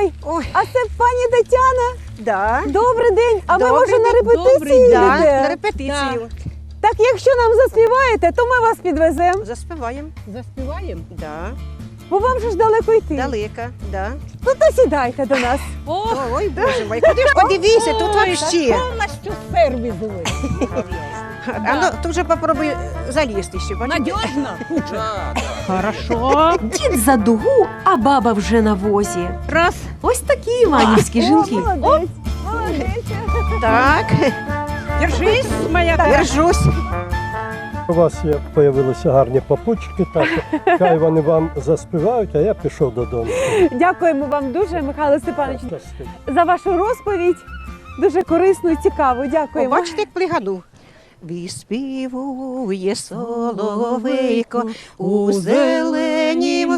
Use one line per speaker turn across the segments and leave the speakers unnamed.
Ой,
Ой,
а це пані Тетяна.
да.
Добрий день. А ви,
Добрий
може, на
день.
репетиції
Да, на
йдете?
репетицію.
Так, якщо нам заспіваєте, то ми вас підвеземо.
Заспіваємо.
Заспіваємо?
Да.
Бо вам же ж далеко йти.
Далеко, да.
Ну то сідайте до нас.
О,
Ой, Боже мой, куди ж подивися, тут вообще.
повністю сервіс ви.
А ну, тут же попробуй залізти ще. бачиш?
Надіжно? Хорошо.
Дід за дугу, а баба вже на возі.
Раз.
Ось такі іванівські жінки.
О, молодець. Молодець.
Так,
Держись, моя
держусь.
У вас з'явилися гарні попутчики, так хай вони вам заспівають, а я пішов додому.
Дякуємо вам дуже, Михайло Степанович,
Щасти.
за вашу розповідь. Дуже корисну і цікаву. Дякуємо.
Бачите, як плигану. Виспівує соловейко у зеленім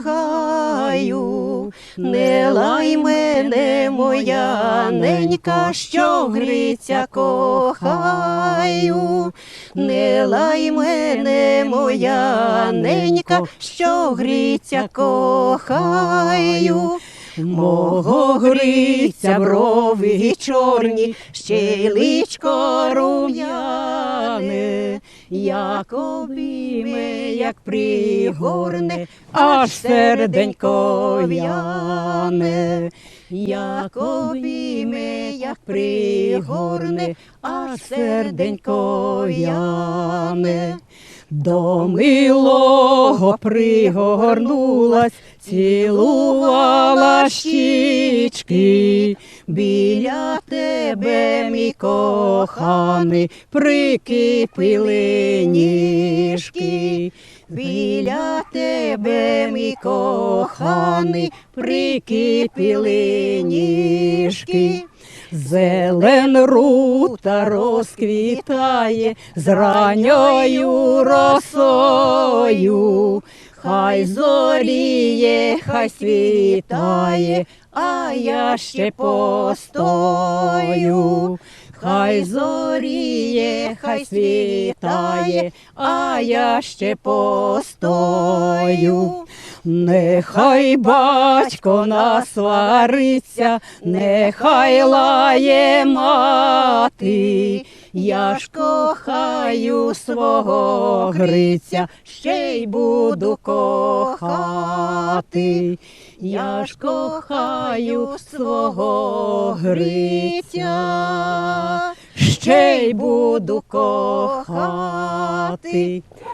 гаю. Не лай мене, моя ненька, що гриця кохаю. Не лай мене, моя ненька, що гриця кохаю. Мого гриця брови чорні, ще й личко рум'яне, як обійме, як пригорне, аж серденько в'яне. Як обійме, як пригорне, аж серденько в'яне. До милого пригорнулась, цілувала щічки, біля тебе, мій коханий, прикипіли ніжки. Біля тебе, мій коханий, прикипіли ніжки. Зелен рута розквітає з ранньою росою. Хай зоріє, хай світає, а я ще постою. Хай зоріє, хай світає, а я ще постою. Нехай батько насвариться, нехай лає мати, я ж кохаю свого Гриця, ще й буду кохати. Я ж кохаю свого Гриця, ще й буду кохати.